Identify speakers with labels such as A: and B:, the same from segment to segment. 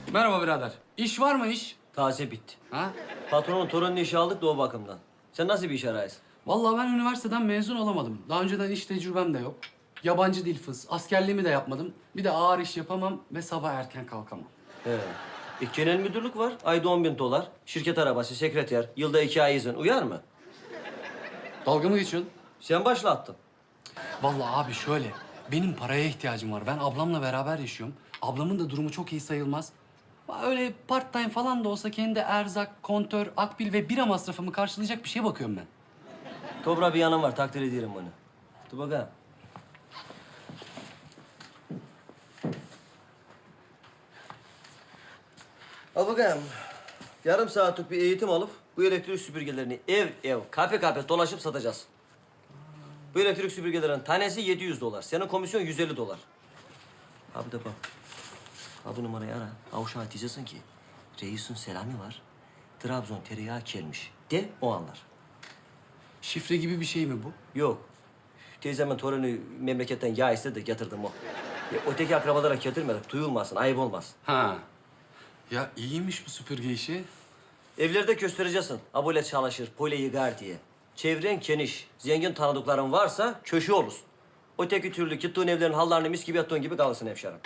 A: Merhaba birader. İş var mı iş?
B: Taze bitti.
A: Ha?
B: Patronun torunun işi aldık da o bakımdan. Sen nasıl bir iş arayısın?
A: Vallahi ben üniversiteden mezun olamadım. Daha önceden iş tecrübem de yok. Yabancı dil fıs. Askerliğimi de yapmadım. Bir de ağır iş yapamam ve sabah erken kalkamam.
B: He. Genel müdürlük var. Ayda $10.000. Şirket arabası, sekreter. Yılda 2 ay izin. Uyar mı?
A: Dalga mı geçiyorsun?
B: Sen başlattın.
A: Vallahi abi şöyle. Benim paraya ihtiyacım var. Ben ablamla beraber yaşıyorum. Ablamın da durumu çok iyi sayılmaz. Öyle part time falan da olsa kendi erzak, kontör, akbil ve bira masrafımı karşılayacak bir şeye bakıyorum ben.
B: Dobra bir yanım var. Takdir ederim bunu. Dur bakalım. Al bakalım. Yarım saatlik bir eğitim alıp bu elektrik süpürgelerini ev, kafe dolaşıp satacağız. Bu elektrik süpürgelerin tanesi $700. Senin komisyon $150. Abi de bak. Ha bu numarayı ara. Ha uşağı diyeceksin ki reisin selamı var. Trabzon tereyağı gelmiş. De o anlar.
A: Şifre gibi bir şey mi bu?
B: Yok. Teyzemin torunu memleketten yağ istedi de getirdim o. Ya, öteki akrabalara getirmedik. Duyulmasın, ayıp olmaz.
A: Ha. Ya iyiymiş bu süpürge işi.
B: Evlerde göstereceksin. Abole çalışır, pole yıkar diye. Çevren geniş, zengin tanıdıkların varsa köşe olursun. Öteki türlü gittiğin evlerin hallarını mis gibi yattığın gibi kalırsın hemşerim.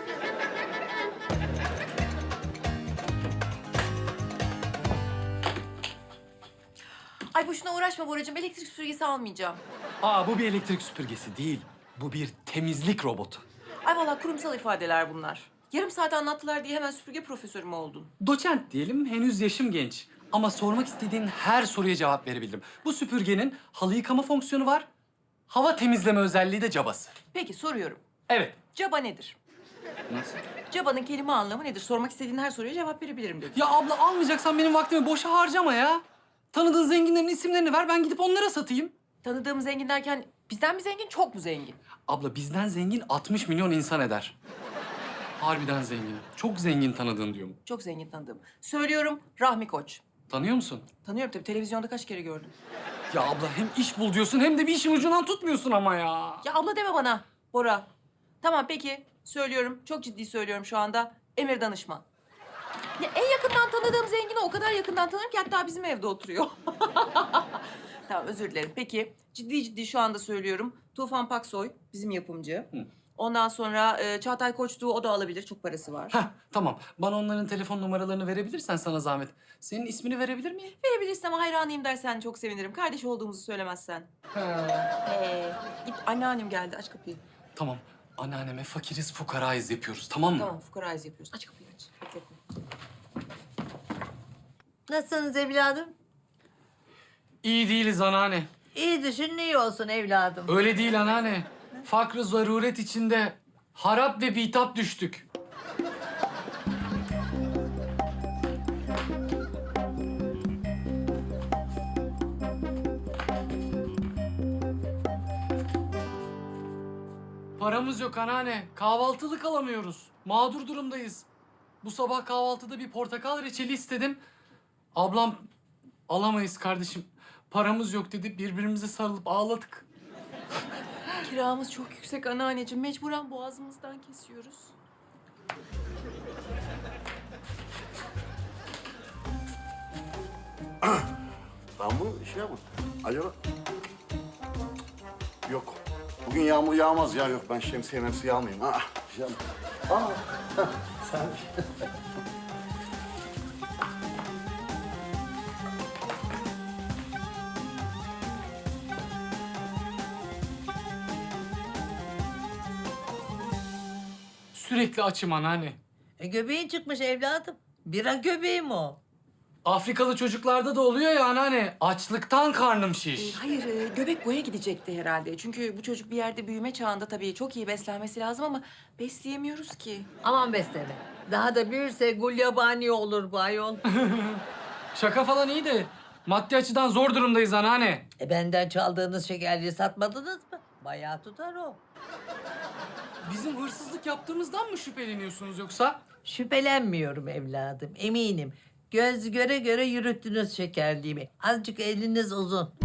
C: Ay boşuna uğraşma Boracığım. Elektrik süpürgesi almayacağım.
A: Aa bu bir elektrik süpürgesi değil. Bu bir temizlik robotu.
C: Ay vallahi kurumsal ifadeler bunlar. Yarım saat anlattılar diye hemen süpürge profesörü mü oldun?
A: Doçent diyelim, henüz yaşım genç. Ama sormak istediğin her soruya cevap verebildim. Bu süpürgenin halı yıkama fonksiyonu var. Hava temizleme özelliği de cabası.
C: Peki soruyorum.
A: Evet.
C: Caba nedir?
A: Nasıl?
C: Cabanın kelime anlamı nedir? Sormak istediğin her soruya cevap verebilirim dedim.
A: Ya abla almayacaksan benim vaktimi boşa harcama ya. Tanıdığın zenginlerin isimlerini ver, ben gidip onlara satayım.
C: Tanıdığım zengin derken bizden mi zengin, çok mu zengin?
A: Abla bizden zengin 60 milyon insan eder. Harbiden zengin. Çok zengin tanıdığın diyorum.
C: Çok zengin tanıdığım. Söylüyorum Rahmi Koç.
A: Tanıyor musun?
C: Tanıyorum tabii, televizyonda kaç kere gördüm.
A: Ya abla hem iş bul diyorsun hem de bir işin ucundan tutmuyorsun ama ya.
C: Ya abla deme bana Bora. Tamam peki söylüyorum, çok ciddi söylüyorum şu anda. Emir Danışman. Ya en yakından tanıdığım zengini o kadar yakından tanırım ki hatta bizim evde oturuyor. Tamam özür dilerim. Peki ciddi şu anda söylüyorum. Tufan Paksoy bizim yapımcı. Ondan sonra Çağatay Koçtuğ, o da alabilir. Çok parası var.
A: Heh, tamam. Bana onların telefon numaralarını verebilirsen sana zahmet. Senin ismini verebilir miyim?
C: Verebilirsem hayranıyım dersen çok sevinirim. Kardeş olduğumuzu söylemezsen. Git anneannem geldi, aç kapıyı.
A: Tamam. Anneanneme fakiriz fukarayız yapıyoruz, tamam mı?
C: Tamam fukarayız yapıyoruz. Aç kapıyı aç. Bekletme.
D: Nasılsınız evladım?
A: İyi değiliz anneanne.
D: İyi düşün, iyi olsun evladım.
A: Öyle değil anneanne. Fakr-ı zaruret içinde harap ve bitap düştük. Paramız yok anneanne. Kahvaltılık alamıyoruz. Mağdur durumdayız. Bu sabah kahvaltıda bir portakal reçeli istedim. Ablam alamayız kardeşim. Paramız yok dedi. Birbirimize sarılıp ağladık.
C: Kiramız çok yüksek anneanneciğim. Mecburen boğazımızdan kesiyoruz.
E: Ben bu şey mi? Acaba... Yok. Bugün yağmur yağmaz ya. Yok ben şemsiye memsiye almayayım. Ha, canım. Aa, sen...
A: Sürekli açım anneanne.
D: Göbeğin çıkmış evladım. Bira göbeğim o.
A: Afrikalı çocuklarda da oluyor ya anneanne. Açlıktan karnım şiş.
C: Hayır, göbek boya gidecekti herhalde. Çünkü bu çocuk bir yerde büyüme çağında tabii çok iyi beslenmesi lazım ama besleyemiyoruz ki.
D: Aman besleme. Daha da büyürse gulyabani olur bu ayol.
A: Şaka falan iyi de maddi açıdan zor durumdayız anneanne.
D: Benden çaldığınız şekerliği satmadınız mı? Bayağı tutar o.
A: Bizim hırsızlık yaptığımızdan mı şüpheleniyorsunuz yoksa?
D: Şüphelenmiyorum evladım, eminim. Göz göre göre yürüttünüz şekerliğimi. Azıcık eliniz uzun.